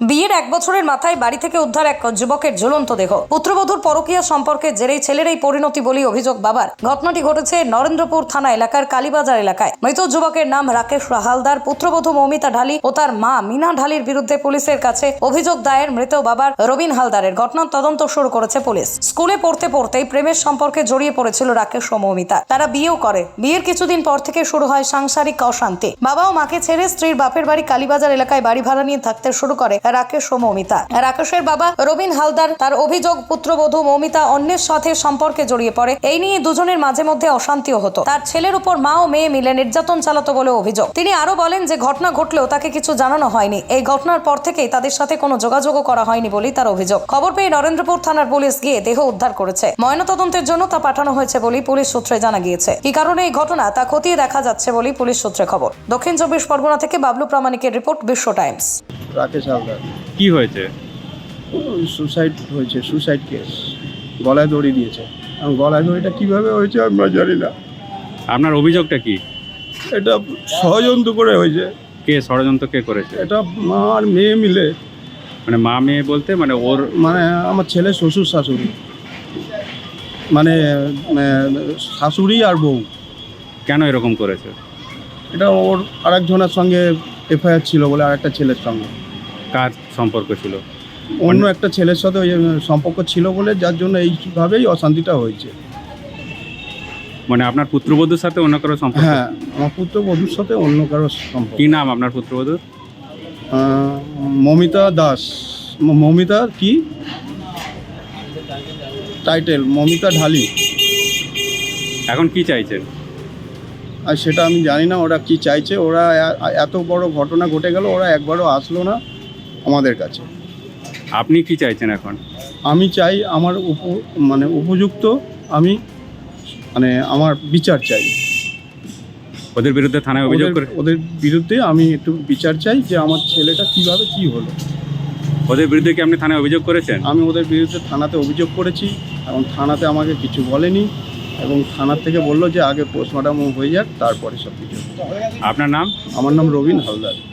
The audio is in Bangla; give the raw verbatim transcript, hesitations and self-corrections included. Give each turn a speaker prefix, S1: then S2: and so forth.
S1: বিয়ের এক বছরের মাথায় বাড়ি থেকে উদ্ধার এক যুবকের ঝুলন্ত দেহ। পুত্রবধূর পরকীয়া সম্পর্কে জেরেই ছেলের এই পরিণতি বলেই অভিযোগ বাবার। ঘটনাটি ঘটেছে নরেন্দ্রপুর থানা এলাকার কালীবাজার এলাকায়। মৃত যুবকের নাম রাকেশ হালদার। পুত্রবধূ মৌমিতা ঢালি ও তার মা মিনা ঢালির বিরুদ্ধে পুলিশের কাছে অভিযোগ দায়ের মৃত বাবার রবিন হালদারের। ঘটনার তদন্ত শুরু করেছে পুলিশ। স্কুলে পড়তে পড়তেই প্রেমের সম্পর্কে জড়িয়ে পড়েছিল রাকেশ ও মৌমিতা। তারা বিয়েও করে। বিয়ের কিছুদিন পর থেকে শুরু হয় সাংসারিক অশান্তি। বাবা ও মাকে ছেড়ে স্ত্রীর বাপের বাড়ি কালীবাজার এলাকায় বাড়ি ভাড়া নিয়ে থাকতে শুরু করে রাকেশ ও মৌমিতা। রাকেশের বাবা রবিন হালদার তার অভিযোগ পুত্রবধূ মৌমিতা অন্যের সাথে সম্পর্কে জড়িয়ে পড়ে। এই নিয়ে দুজনের মাঝে মধ্যে অশান্তিও হতো। তার ছেলের উপর মা ও মেয়ে মিলে নির্যাতন চালাতো বলে অভিযোগ। তিনি আরো বলেন যে ঘটনা ঘটলেও তাকে কিছু জানানো হয়নি। এই ঘটনার পর থেকেই তাদের সাথে কোনো যোগাযোগও করা হয়নি বলেই তার অভিযোগ। খবর পেয়ে নরেন্দ্রপুর থানার পুলিশ গিয়ে দেহ উদ্ধার করেছে। ময়নাতদন্তের জন্য তা পাঠানো হয়েছে বলেই পুলিশ সূত্রে জানা গিয়েছে। কি কারণে এই ঘটনা তা খতিয়ে দেখা যাচ্ছে বলেই পুলিশ সূত্রে খবর। দক্ষিণ চব্বিশ পরগনা থেকে বাবলু প্রামাণিকের রিপোর্ট, বিশ্ব টাইমস।
S2: রাকেশ হালদার
S3: কি হয়েছে?
S2: সুসাইড হয়েছে, সুসাইড কেস। গলায় দড়ি দিয়েছে। এবং গলায় দড়িটা কীভাবে হয়েছে আমরা জানি না।
S3: আপনার অভিযোগটা কি?
S2: এটা ষড়যন্ত্র করে হয়েছে।
S3: কে ষড়যন্ত্র কে করেছে?
S2: এটা মা আর মেয়ে মিলে,
S3: মানে মা মেয়ে বলতে মানে ওর
S2: মানে আমার ছেলে শ্বশুর শাশুড়ি, মানে আহ, শাশুড়ি আর বউ।
S3: কেন এরকম করেছে?
S2: এটা ওর আরেকজনের সঙ্গে এফআইআর ছিল বলে, আর একটা ছেলের সঙ্গে
S3: কার সম্পর্ক ছিল?
S2: অন্য একটা ছেলের সাথে ওই সম্পর্ক ছিল বলে, যার জন্য এইভাবেই অশান্তিটা হয়েছে।
S3: মানে আপনার পুত্রবধূর সাথে অন্য কারো সম্পর্ক?
S2: হ্যাঁ, আমার পুত্র বধূর সাথে অন্য কারো সম্পর্ক।
S3: কি নাম আপনার পুত্রবধূর?
S2: আহ, মমিতা দাস। ম- মমিতা কি টাইটেল? মমিতা ঢালি।
S3: এখন কি চাইছেন?
S2: আর সেটা আমি জানি না ওরা কি চাইছে। ওরা এ- এত বড় ঘটনা ঘটে গেল, ওরা একবারও আসলো না আমাদের কাছে।
S3: আপনি কি চাইছেন এখন?
S2: আমি চাই আমার উপ মানে উপযুক্ত, আমি মানে আমার বিচার চাই।
S3: ওদের বিরুদ্ধে থানায় অভিযোগ
S2: ওদের
S3: করে?
S2: ওদের বিরুদ্ধে আমি একটু বিচার চাই যে আমার ছেলেটা কিভাবে কি হলো।
S3: ওদের বিরুদ্ধে কি আপনি থানায় অভিযোগ করেছেন?
S2: আমি ওদের বিরুদ্ধে থানাতে অভিযোগ করেছি এবং থানাতে আমাকে কিছু বলেনি, এবং থানার থেকে বললো যে আগে পোস্টমর্টম হয়ে যাক, তারপরে সব কিছু।
S3: আপনার নাম?
S2: আমার নাম রবিন হালদার।